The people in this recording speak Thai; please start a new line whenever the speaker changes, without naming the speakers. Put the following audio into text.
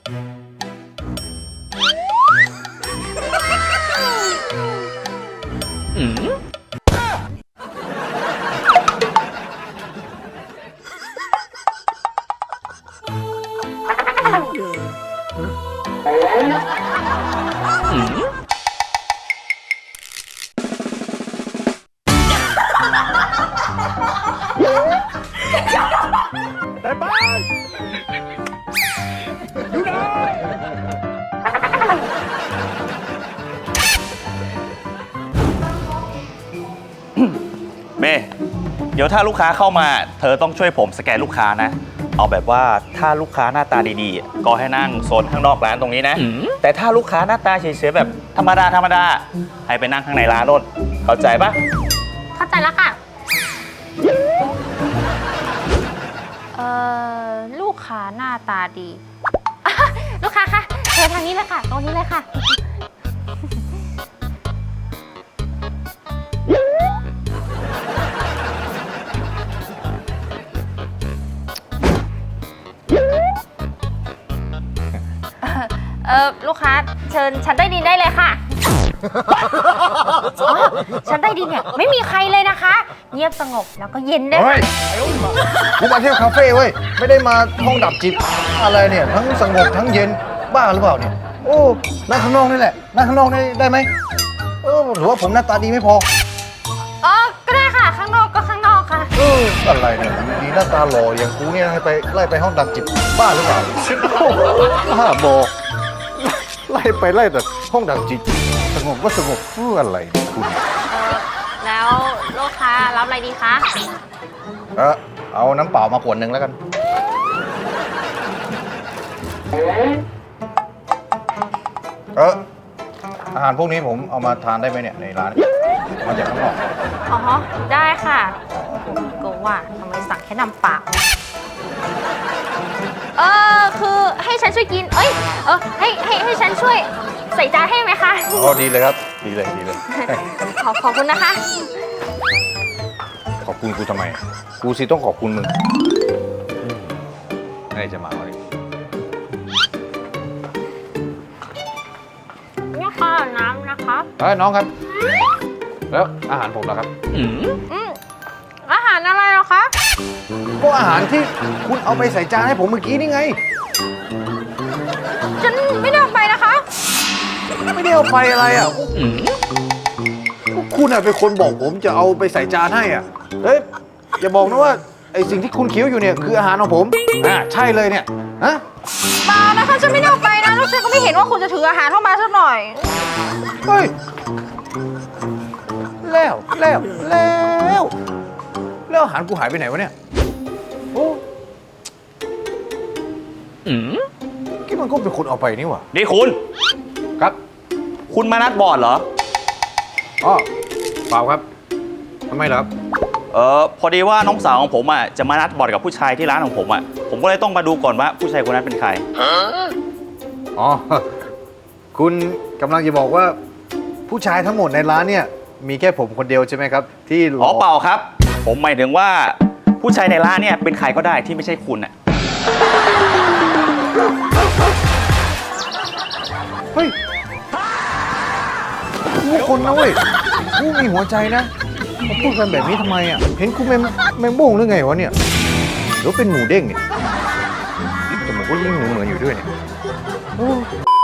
แต่บ้านอยู่ไหน
เมย์เดี๋ยวถ้าลูกค้าเข้ามาเธอต้องช่วยผมสแกนลูกค้านะเอาแบบว่าถ้าลูกค้าหน้าตาดีๆก็ให้นั่งโซนข้างนอกร้านตรงนี้นะแต่ถ้าลูกค้าหน้าตาเฉยๆแบบธรรมดาให้ไปนั่งข้างในร้านโน่นเข้าใจปะ
เข้าใจแล้วค่ะลูกค้าหน้าตาดี ลูกค้าคะเชิญทางนี้เลยค่ะตรงนี้เลยค่ะลูกค้าเชิญชั้นใต้ดินได้เลยค่ะ อ๋อชั้นใต้ดินเนี่ยไม่มีใครเลยนะคะ เงียบสงบแล้วก็เย็นด้วย
เฮ้ยกูมาเที่ยวคาเฟ่เว้ยไม่ได้มาห้องดับจิตอะไรเนี่ยทั้งสงบทั้งเย็นบ้าหรือเปล่าเนี่ยโอ้นั่งข้างนอกนี่แหละนั่งข้างนอกได้ไหมหรือว่าผมหน้าตาดีไม่พอ
อ๋อก็ได้ค่ะข้างนอกก็ข้างนอกค่ะ
อะไรเนี่ยดีหน้าตาหล่ออย่างกูเนี่ยให้ไปไล่ไปห้องดับจิตบ้าหรือเปล่าบ้าบอกไล่แต่ห้องดับจิตสงบก็สงบอะไรคุณ
แล้วลูกค้ารับอะไรดีคะ
เอาน้ำเปล่ามาขวดหนึ่งแล้วกันอาหารพวกนี้ผมเอามาทานได้ไหมเนี่ยในร้านมาจากข้างนอก
อ๋อได้ค่ะก็ว่าทำไมสั่งแค่น้ำเปล่าคือให้ฉันช่วยกินให้ฉันช่วยใส่จานให้ไหมคะ
อ๋อดีเลยครับดีเลย
ขอบคุณนะคะ
ขอบคุณกูทำไมกูสิต้องขอบคุณมึงอะไรจะมาอะไร
นี่ค่ะน้ำนะคะ
น้องครับแล้วอาหารผมล่ะครับ
อาหารอะไรเหรอคะ
ก็อาหารที่คุณเอาไปใส่จานให้ผมเมื่อกี้นี่ไง
ฉันไม่ได้เอาไปนะคะ
ไม่ได้เอาไปอะไรอ่ะคุณเป็นคนบอกผมจะเอาไปใส่จานให้อ่ะเฮ้ยอย่าบอกนะว่าไอสิ่งที่คุณเคี้ยวอยู่เนี่ยคืออาหารของผมใช่เลยเนี่ยฮะ
เปล่านะคะฉันไม่ได้เอาไปนะแล้วฉันก็ไม่เห็นว่าคุณจะถืออาหารเข้ามาสักหน่อย
เฮ้ยแล้วอาหารกูหายไปไหนวะเนี่ยโอ้ที่มันก็เป็นคนเอาไปนี่หว่า
นี่คุณ
ครับ
คุณมานัดบอร์ดเหรอ
อ๋อเปล่าครับทำไมเหรอครับ
พอดีว่าน้องสาวของผมจะมานัดบอร์ดกับผู้ชายที่ร้านของผมผมก็เลยต้องมาดูก่อนว่าผู้ชายคนนั้นเป็นใคร
อ๋อคุณกำลังจะบอกว่าผู้ชายทั้งหมดในร้านเนี่ยมีแค่ผมคนเดียวใช่ไหมครับที่หล
อ๋อ
อก
เปล่าครับ ผมหมายถึงว่าผู้ชายในร้านเนี่ยเป็นใครก็ได้ที่ไม่ใช่คุณ
เฮ้ยกูคนนะเว้ยกูมีหัวใจนะมาพูดกันแบบนี้ทำไมอ่ะเห็นกูแมงโบ้งหรือไงวะเนี่ยหรือเป็นหมูเด้งเนี่ยจมูกก็ยิ่งเหมือนอยู่ด้วยเนี่ยโอ้